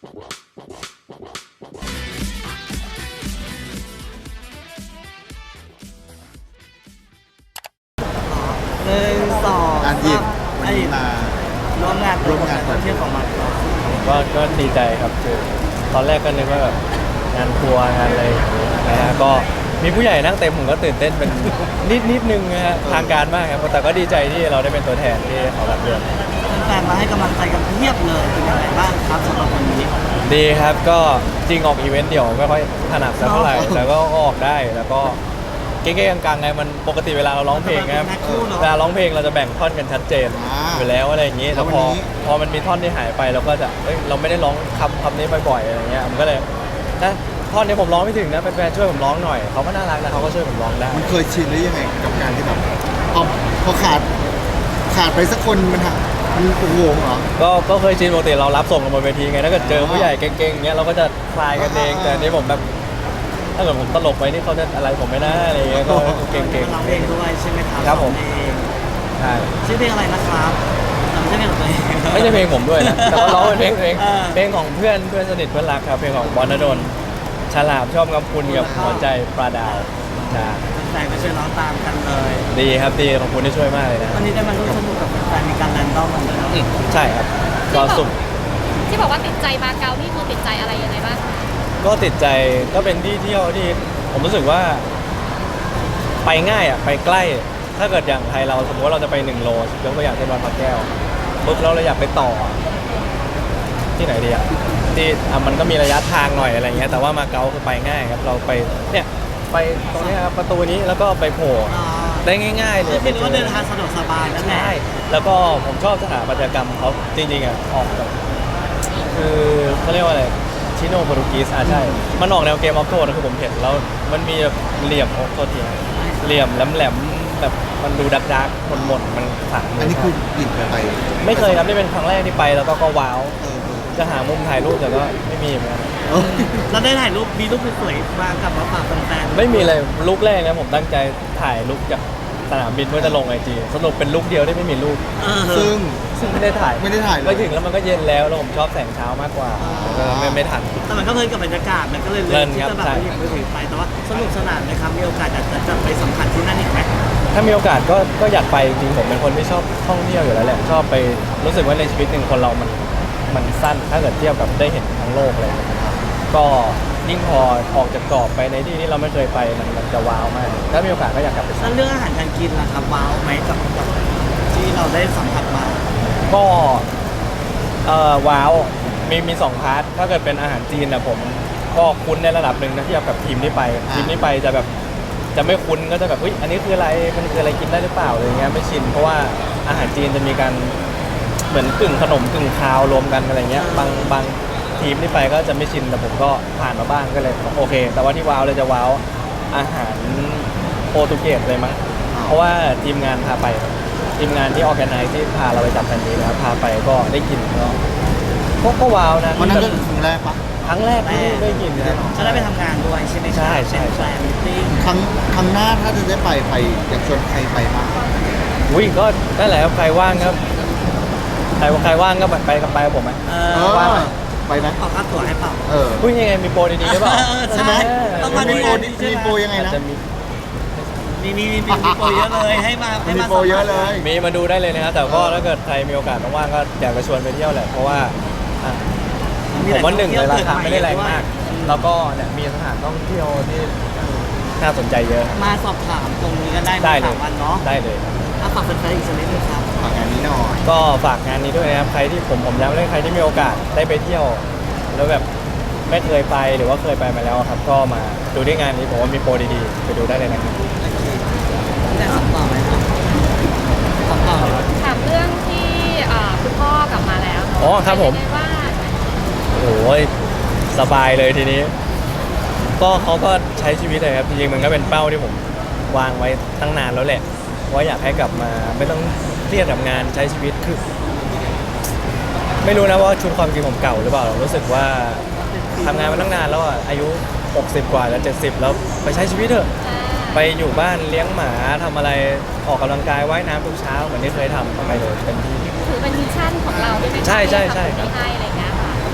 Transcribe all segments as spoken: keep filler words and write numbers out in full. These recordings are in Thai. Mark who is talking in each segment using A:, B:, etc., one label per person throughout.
A: หนึ่งสอง
B: อันยิบวันนี้มา
A: ร่วมงาน
B: ร่วมงาน
A: เที่ยวของมัน
C: ก็ก็ดีใจครับคือตอนแรกก็นึกว่าแบบงานทัวร์งานอะไรอย่างนี้นะฮะก็มีผู้ใหญ่นั่งเต็มผมก็ตื่นเต้นเป็น นิดนิดนึงนะฮะทางการมากครับแต่ก็ดีใจที่เราได้เป็นตัวแทนที่เขารับเรื่อง
A: แฟนๆมาให้กำลังใจกันเพียบเลยเป็นยังไงบ้างครับสำหรับวันนี้
C: ดีครับก็จริงออกอีเวนต์เดี่ยวไม่ค่อยถนัดสักเท่าไหร่แต่ก็ออกได้แล้วก็เก๊ๆกลางๆไงมันปกติเวลาเราร้องเพลงครับเวลาร้องเพลงเราจะแบ่งท่อนกันชัดเจนอยู่แล้วอะไรอย่างนี้แต่พอพอมันมีท่อนที่หายไปเราก็จะเอ้ยเราไม่ได้ร้องคำคำนี้บ่อยๆอะไรเงี้ยมันก็เลยนะท่อนนี้ผมร้องไม่ถึงนะแฟนๆช่วยผมร้องหน่อยเขาก็น่ารักนะเขาก็ช่วยผมร้องได้
B: มันเคยชินหรือยังไงกับการที่แบบพอพอขาดขาดไปสักคนมันหะมันคงงงเหรอ
C: ก็ก็เคยชินปกติเรารับส่งกันบนเวทีไงถ้าเกิดเจอผู้ใหญ่เก่งๆเงี้ยเราก็จะคลายกันเองแต่อันนี้ผมแบบถ้าเกิดผมตลกไปนี่เขาจะอะไรผมไม่น่าอะไรเงี้ยก็เก่ง
A: ร้องเพลงด้วยใช่ไหมครับ
C: ครับผม
A: เพลง
C: ๆใช่
A: ชื่อเพลงอะไรนะครับจำชื่อเพลงของตัวเอง
C: ไม่ใช่เพลงผมด้วยนะแต่ว่าร้องเป็นเพลงตัวเอง
A: อ่า
C: เพลงของเพื่อนเพื่อนสนิทเพื่อนรักครับเพลงของบอลนดลฉลาบชอบกำคุณกับหัวใจปลาดาวใช่
A: แฟนๆก็ช่วยร้องตามกันเลย
C: ดีครับดีขอบคุณที่ช่วยมากเลยนะ
A: วันนี้ได้มาร่วมสนุกกับแฟนๆมีการแรนดอมกันด้วยเนาะ
C: อืมใช่ครับก็สุ่ม
D: ที่บอกว่าติดใจมาเก๊านี่คือติดใจอะไรยังไงบ้างคะ
C: ก็ติดใจก็เป็นที่เที่ยวที่ผมรู้สึกว่า ไปง่ายอ่ะไปใกล้ ถ้าเกิดอย่างไทยเราสมมติว่าเราจะไปหนึ่งโลยกตัวอย่างเช่นวัดพระแก้วปุ๊บเราเลยอยากไปต่อ ที่ไหนดีอ่ะที่อ่ะมันก็มีระยะทางหน่อยอะไรเงี้ยแต่ว่ามาเก๊าคือไปง่ายครับเราไปเนี่ยไปตรงเนี้ยครับประตูนี้แล้วก็ไปโผล่
A: อ่า
C: ได้ง่ายๆเล
A: คื
C: ย
A: อคิดว่าเดินทางสะดวกสบายนั่นแหละ
C: ใช่แล้วก็ผมชอบสถาปัตยกรรมเขาจริงๆอ่ะออกแบบคือเขาเรียกว่าอะไรชิโนโปรตุกีสอ่ะใช่มันออกแนวเกมออฟโทนคือผมเห็นแล้วมันมีแบบเหลี่ยมโอ้โทษทีนะเหลี่ยมแหลมๆแบบมันดูดักดักๆหม่นๆมันขลัง
B: อันนี้คือหยิบไป
C: ไม่เคยครับนี่เป็นครั้งแรกที่ไปแล้วก็ก็ว้าว
B: เออ
C: จะหามุมถ่ายรูปแต่ก็ไม่มีเหมือนกัน
B: เออ
A: แล้วได้ถ่ายรูปมีรูปสวยๆมากลับมาฝากแฟนๆ
C: ไม่มีเลยลุกแรกนะผมตั้งใจถ่ายลุกจากสนามบินเพื่อจะลงไอจีสรุปเป็นลุกเดียวที่ไม่มีรูป
A: เออ
B: ซึ่ง
C: ซึ่งไม่ได้ถ่าย
B: ไม่ได้ถ่ายเลย
C: ไปถึงแล้วมันก็เย็นแล้วแล้วผมชอบแสงเช้ามากกว่าแล้วก็ไม่ไม่ทัน
A: แต่มันก็เพลินกับบรรยากาศมันก็เลยเลื
C: เพลิ
A: อก
C: น
A: ที่
C: ครับ
A: จะแบบ
C: ใช่
A: ว่าหยิบมือถือไปแต่ว่าสนุกสนานนะครับมีโอกาสอยากจะจะไปสัมผัสที่นั่นอีกไหม
C: ถ้ามีโอกาสก็ก็อยากไปจริงๆผมเป็นคนที่ชอบท่องเที่ยวอยู่แล้วแหละชอบไปรู้สึกว่าในชีวิตหนึ่งคนเรามันมันสั้นถ้าเกิดเทียบกับได้เห็นทั้งโลกอะไรอย่างเลยก็ยิ่งพอออกจากกรอบไปในที่ที่เราไม่เคยไปมันมันจะว้าวมากถ้ามีโอกาสก็อยากกลับไป
A: แล้วเรื่องอาหารการกินล่ะครับว้าวไหมกับกับที่เราได้สัมผัสมา
C: ก็เอ่อว้าวมีมีสองพาร์ทถ้าเกิดเป็นอาหารจีนนะผมก็คุ้นในระดับหนึ่งนะเทียบกับทีมที่ไปทีมที่ไปจะแบบจะไม่คุ้นก็จะแบบอุ้ยอันนี้คืออะไรมันคืออะไรกินได้หรือเปล่าอะไรเงี้ยไม่ชินเพราะว่าอาหารจีนจะมีการเหมือนกึ่งขนมกึ่งคาวรวมกันอะไรเงี้ยบางบางทีมที่ไปก็จะไม่ชินแต่ผมก็ผ่านมาบ้างก็เลยโอเค แต่ว่าที่ว้าวเลยจะว้าวอาหารโปรตุเกสเลยมั้งเพราะว่าทีมงานพาไป ทีมงานที่ออแกไนซ์ที่พาเราไปจับแผ่นนี้นะครับพาไปก็ได้กินก็ก็ก็ว้าวนะ
B: วันนั้นก็ครั้งแรกปะ
C: ครั้งแรกที่ได้กินนะ
A: ก็ได้ไปทำงานด้วยใช่ไหมครับ
C: ใช่ใช่
A: เป็นแฟนมิตติ้ง
B: ครั้งครั้งหน้าถ้าจะได้ไปไปอยากชวนใครไปบ้าง
C: อุ้ยก็นั่นแหละครับใครว่างครับใครใครว่างก็ไปกับไปกับผมไหม
A: เอ
B: เอ
A: อ
B: อ
A: ว่า
B: ไปไหม
A: ขอค่าตั๋วให้เปล่า
B: เออ
C: พูดยังไงมีโปรดีๆหรือเปล่า
A: เออใช่ไหมต้องมา
B: มี
A: ดู
B: โปร
A: ดี
B: มีโปรยังไง
C: อาจ
B: นะ
C: จะมี
A: มีมีมีมีโปรเยอะเลยให้มาให้
B: มี
A: มา
B: โปรเยอะเลย
C: มีมาดูได้เลยนะครับแต่ก็ถ้าเกิดใครมีโอกาสว่างๆก็อยากจะชวนไปเที่ยวแหละเพราะว่าอ่ะผมว่าหนึ่งเลยราคาไม่ได้แรงมาก แล้วก็เนี่ยมีสถานท่องเที่ยวที่น่าสนใจเยอะ
A: มาสอบถามตรงนี้ก็ได้
C: ได้
A: มา
C: เล
A: ถาย มวันเนาะ
C: ได้เลย
A: ถ้าฝากแฟนๆอีกสักนิดนึงครับ
B: ฝากงานนี้หน่อย
C: ก็ฝากงานนี้ด้วยนะครับใครที่ผมผมย้ำเลยใครที่มีโอกาสได้ไปเที่ยว แล้วแบบไม่เคยไปหรือว่าเคยไปมาแล้วครับ ก็มาดูที่งานนี้ผมว่ามีโปรดีๆไปดูได้เลยนะครับ
A: แต่สอบต่อไหมครับสอบต่อ
D: ถามเรื่องที่อ่าคุณพ่อกลับมาแล้วเนาะ
C: อ๋อครับผม
D: เป็นยังไงบ้าง
C: โอ้ยสบายเลยทีนี้ ก็เขาก็ใช้ชีวิตเลยครับจริงๆมันก็เป็นเป้าที่ผมวางไว้ตั้งนานแล้วแหละว่าอยากให้กลับมาไม่ต้องเครียดกับงานใช้ชีวิตคือ ไม่รู้นะว่าชุดความจริงผมเก่าหรือเปล่ารู้สึกว่าทำงานมาตั้งนานแล้วอ่ะอายุหกสิบกว่าแล้วเจ็ดสิบแล้วไปใช้ชีวิตเถอะ
D: อ่า
C: ไปอยู่บ้านเลี้ยงหมาทำอะไรออกกำลังกายว่ายน้ำทุกเช้าเหมือนที่เคยทำไปเลยเป็นที่
D: ถือเป็นมิชชั่นของเราด้วยไหมคะ
C: ใช่ใช่ใช่
D: ที่ทำตรงนี้ให้อะไรอย่างเงี้ยค่ะ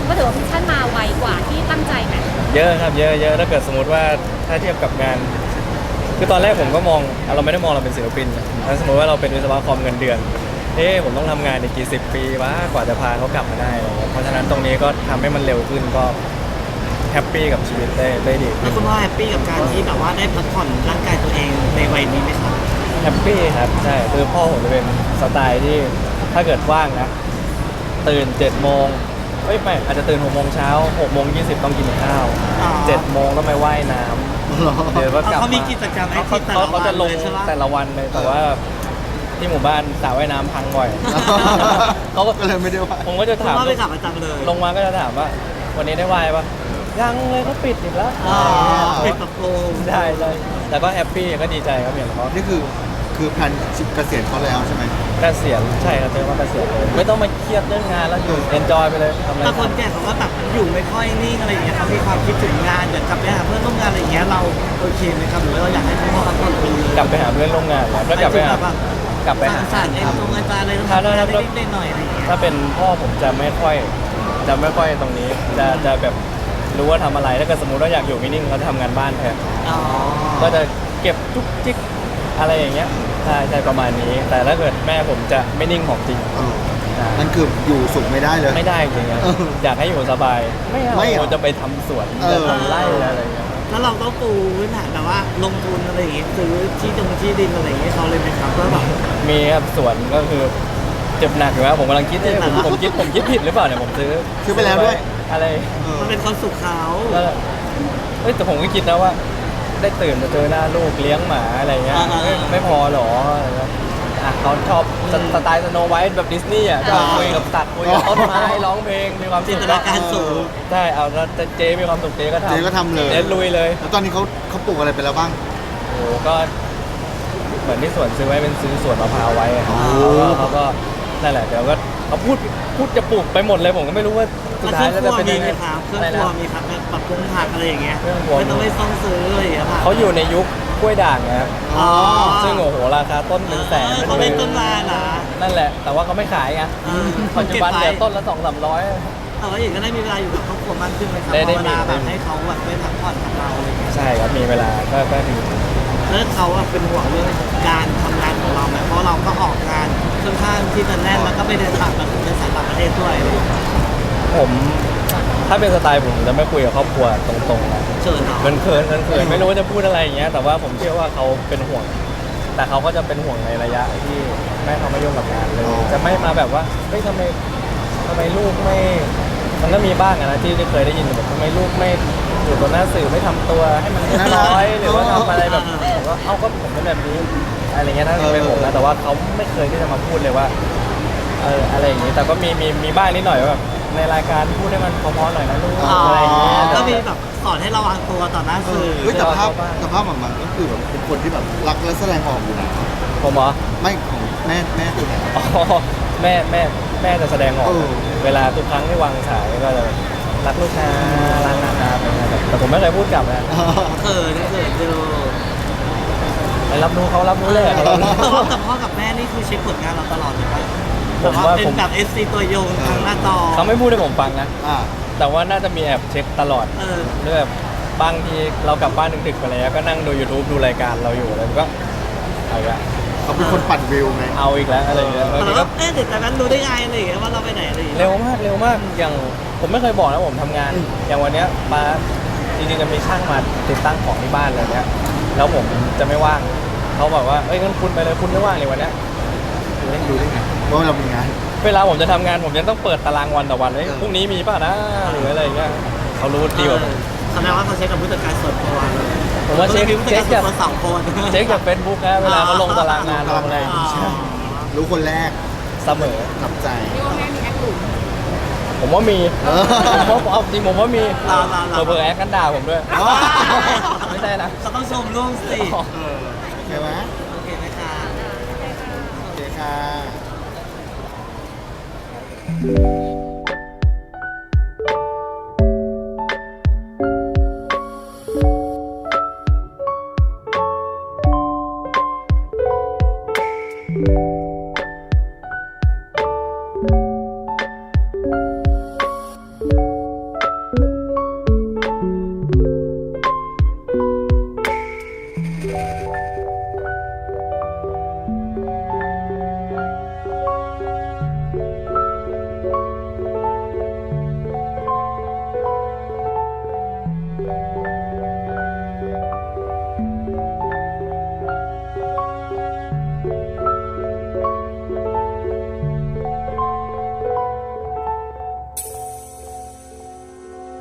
D: ก็ถือว่าพิชชั่นมาไวกว่าที่ตั้งใจไหม
C: เยอะครับเยอะเยอะถ้าเกิดสมมติว่าถ้าเทียบกับงาน คือตอนแรกผมก็มองเราไม่ได้มองเราเป็นศิลปินนะถ้าสมมติว่าเราเป็นวิศวกรเงินเดือนเฮ้ผมต้องทำงานอีกกี่สิบปีวะกว่าจะพาเขากลับมาได้อะไรเงี้ยเพราะฉะนั้นตรงนี้ก็ทำให้มันเร็วขึ้นก็แฮปปี้กับชีวิตได้ได้ดี
A: แล้วคุณพ่อแฮปปี้กับการที่แบบว่าได้พักผ่อนร่างกายตัวเองในวัยนี้ไหมครับ
C: แฮปปี้ครับใช่คือพ่อผมจะเป็นสไตล์ที่ถ้าเกิดว่างนะตื่นเจ็ดโมงเอ้ยไม่อาจจะตื่นหกโมงเช้าหกโมงยี่สิบต้องกินข้าว
A: อ๋อ
C: เจ็ดโมงต้องไปว่ายน้ำเดี๋ยวก็กลับ
A: เขามี
C: มา
A: กิจกรรม
C: เขา
A: active
C: เขาเขาจะลง
A: แต่ละวันเลยใช่ปะ
C: แต่ละวันเลยแต่ว่าที่หมู่บ้านสระว่ายน้ำพังบ่อย เขาก็
B: ก็เลยไม่ได้ว่า
C: ผมก็จะ
A: คุณ
C: ถาม
A: พ่อไปขับประจำเลย
C: ลงมาก็จะถามว่า วันนี้ได้ว่ายปะยังเลยเขาปิดอีกแล้ว
A: อ๋อ
C: อะไร
A: เป็
C: เงี้ย
A: นปรับปรุง
C: ได้เลยแต่ก็แฮปปี้ก็ดีใจครับอย่างเขา
B: นี่คือคือแพลนเกษียณเขาแล้วใช่ไหม
C: เกษียณใช่ครับเจอว่าเกษียณเลยไม่ต้องมาเครียดเรื่องงานแล้วอยู่เอนจอยไปเลยทำอะไร
A: แต่คน
C: ทำ
A: แก่เขาก็แบบอยู่ไม่ค่อยนิ่งอะไรอย่างเงี้ยเขามีความคิดถึงงานอยากกลับไปหาเพื่อนร่วมงานอะไรอย่างเงี้ยเราโอเคไหมครับหรือว่าเราอยากให้คุณพ่อพักผ่อนไปเลย
C: กลับไปหาเพื่อนร่วมงานแล้วก็กลับไปหา
A: แบบ
C: กลับไปหา
A: สารเอ็นตรงอาจารย์อะไรต้อง
C: ถ้า
A: ทำงาน
C: ถ้า
A: นิดๆหน่อยๆอะไรอย่างเงี้ย
C: ถ้าเป็นพ่อผมจะไม่ค่อยจะไม่ค่อยตรงนี้ จะจะแบบรู้ว่าทำอะไรถ้าเกิดสมมติว่าอยากอยู่นิ่งๆเขาจะทำงานบ้านแทน
A: อ๋อ
C: ก็จะเก็บจุกจิกอะไรอย่างเงี้ยใช่ใช่ประมาณนี้ แต่ถ้าเกิดแม่ผมจะไม่นิ่งของจริง
B: เออ
C: ใช่
B: นั่นคืออยู่สุขไม่ได้เลย
C: ไม่ได้จริงๆอะ
B: เออ
C: อยากให้อยู่สบาย ไม่เอา
B: ไม่เอา
C: จะไปทำสวน
B: เออ
C: จะทำไร่อะไรอย่างเงี้ย
A: แล้วเราต้องปูพื้นฐานแบบว่าลงทุนอะไรอย่างเงี้ยซื้อที่ตรงที่ดินอะไรอย่างเงี้ยเขาเลยไหมครับว่าแบบ
C: มีครับสวนก็คือเจ็บหนักอยู่แล้วผมกำลังคิดเนี่ยผมผมคิดผมคิดผิดหรือเปล่าเนี่ยผมซื้อ
B: ซื้อไปแล้วด้วย
C: อะไร
B: เออ
A: มันเป็นความสุขเขา
C: แล้วเอ้ยแต่ผมก็คิดนะว่า ได้ตื่นมาเจอหน้าลูกเลี้ยงหมาอะไรเงี้ยเอ้ยไม่พอหรออะไรเงี้ยอ่ะเขาชอบสสไตล์สโนไวท์แบบดิสนีย์อ่ะก็คุยกับสัตว์คุยกับต้นไม้ร้องเพลงมีความ
A: จิ
C: สุ
A: น
C: ข
A: ตนาการสูง
C: ใช่เอาแล้วเจมีความสุขเจก็ทำ
B: เจ๊ก็ทำเลย
C: เจ๊ลุยเลย
B: แล้วตอนนี้เขาเขาปลูกอะไรไปแล้วบ้าง
C: โอ้โหก็เหมือนที่สวนซื้อไว้เป็นซื้อสวนมะพร้าวไว้อะ
B: อ๋อ
C: เขาก็เขาก็นั่นแหละเดี๋ยวก็เขาพูดพูดจะปลูกไปหมดเลยผมก็ไม่รู้ว่าสุด
A: แล้วเค
C: ท้า
A: รื่
C: ย
A: อง
C: แล้ว
A: ครั
C: จะ
A: ว
C: เป็น
A: มี
C: ยัง
A: ไหม
C: ไง
A: ครับเครื่อง
C: อะไร
A: ครัว
C: นะ
A: มีครับปรับปรุงผักอะไรอย่างเงี้ย
C: เครื่องครัว
A: ไม่ต้องไปซ่องซื้ออะไรอย่างเงี้ยผัก
C: เขาอยู่ในยุคกล้วยด่างนะครับ
A: อ๋อ
C: ซึ่งโอ้โหราคาต้นเป็นแสน
A: เขาเล่นต้นไม้เหรอ
C: นั่นแหละ แต่ว่าเขาไม่ขายไง
A: เออ
C: ปัจจุบัน
A: เก็บไว้
C: เดี๋ยวต้นละสองสามร้อย
A: แต่ว่าอย่างก็ได้มีเวลาอยู่กับครอบครัวมากขึ้นไหมครับ
C: ได้ได้
A: เวลา
C: มี
A: แบบให้เขาแบบได้พักผ่อนกับเราอะไรอย่างเงี้ย
C: ใช่ครับมีเวลาก็ก็ดี
A: แล้วเขาอะเป็นห่วงเรื่องการทำงานของเราไหมเพราะเราก็ออกงานค่อนข้างที่จะแน่นแล้วก็ไปเดินต่างประเทศเดินสายต่างประเทศด้วยอะไรอย่างเงี้ย
C: ผมถ้าเป็นสไตล์ผมจะไม่คุยกับครอบครัวตรงๆนะ
A: เชิญเนาะ
C: เขินเขินเขินเขินไม่รู้ว่าจะพูดอะไรอย่างเงี้ยแต่ว่าผมเชื่อว่าเขาเป็นห่วง แต่เขาก็จะเป็นห่วงในระยะที่ไม่เขาไม่ยุ่งกับงานเลย
B: อ๋อ
C: จะไม่มาแบบว่าเฮ้ยทำไมทำไมลูกไม่ มันก็มีบ้างอะนะที่ที่เคยได้ยินแบบทำไมลูกไม่อยู่บนหน้าสื่อไม่ทำตัวให้มันเรียบร้อยหรือว่าทำอะไรแบบผมก็เอาก็ผมเป็นแบบนี้อะไรเงี้ยถ้าเป็นผมนะแต่ว่าเขาไม่เคยที่จะมาพูดเลยว่าเอออะไรอย่างงี้แต่ก็มีมีมีบ้างนิดหน่อยว่าแบบในรายการพูดให้มันเพอๆหน่อยนะลูก
A: อ๋อ
C: อะไรอย่างเงี้ย
A: ก็มีแบบสอนให้ระวังตัวต่อหน้า
B: เอ
A: สื่
B: อ
A: อ
B: เฮ้ยแต่ภาพแต่ภาพหมันก็คือแบบเป็นคนที่แบบรักและแสดงออกอยู่นะ
C: ผมเหรอ
B: ไม่ของแม่แม่ตัวไหน
C: อ๋อแม่แม่แม่จะแสดงออก
B: เออ
C: เวลาทุกครั้งที่วางสายก็จะรักลูกนะรักนะครับแต่ผมไม่เคยพูดกลับนะ
A: เขินเขินดู
C: ไปรับรู้เขารับรู้เลยเขารับรู้
A: แต่ว่ากับพ่อกับแม่นี่คือเช็คผลงานเราตลอดเลยครับ
C: ผมว่า
A: เป็น
C: ผม
A: แบบ เอส ซี ตัวยงทางหน้าจอ
C: เขาไม่พูดให้ผมฟังนะ
B: อ่า
C: แต่ว่าน่าจะมีแอบเช็คตลอด
A: เออ
C: เรื่องแบบบางทีเรากลับบ้านดึกๆไปแล้วก็นั่งดู YouTube ดูรายการเราอยู่แล้วก็เอาอีกแล้ว
B: เขาเป็นคนปั่นวิวไง
C: เอาอีกแล้วอะไรอย่างเงี้ยบาง
A: แต่
C: ที
A: ว่า
C: ก็
A: เอ๊ะแต่นั้นรู้ได้ไงอะไรอย่างเงี้ยว่าเราไปไหนอะไรอย่างเงี้ย
C: เร็วมากเร็วมากอย่างผมไม่เคยบอกนะผมทำงาน อย่างวันเนี้ยมาจริงๆจะมีช่างมาติดตั้งของที่บ้านอะไรเงี้ยแล้วผมจะไม่ว่างเขาบอกว่าเอ้ยงั้นคุณไปเลยคุณไม่ว่างเลยวันเนี้ย
B: เล่นดูได้ไงว่าเรามีงาน
C: เวลาผมจะทำงานผมยังต้องเปิดตารางวันต่อวันเลย
B: เออ
C: พรุ่งนี้มีป่ะนะหรืออะไรอย่างเงี้ยเขารู้ดีกว่าผม
A: แสดงว่าเขาเช็คกับผู้จัดการส่วนตัว
C: ผมว่าเช็ค
A: ผู้จัด
C: เช็
A: การ
C: ค
A: ส่วน
C: จาก
A: ตัวสองคน
C: เช็คจากเฟซบุ๊กนะเวลาเขาลงตารางงานลงอะไร
A: อ๋อ
C: ใช่
B: รู้คนแรก
C: เสมอ
B: หนับใจ
D: พี่ว่าแม่มีแอคหลุม
C: ผมว่ามี
B: เออ
C: ผมว่าเอาจริงผมว่ามี
A: รอรอรอ
C: เบอร์แอคกันด่าผมด้วย
B: อ๋อ
C: ไม่ใช่นะ
A: เขาต้องชมลูกสิ
B: เออโอเคไหม
A: โอเคไหมคะ
B: โอเคค่ะ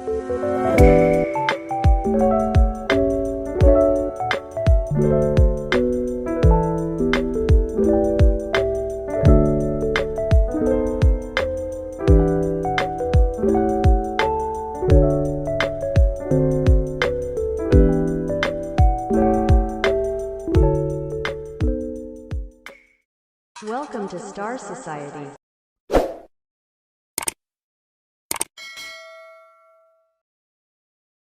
E: Welcome to Star Society.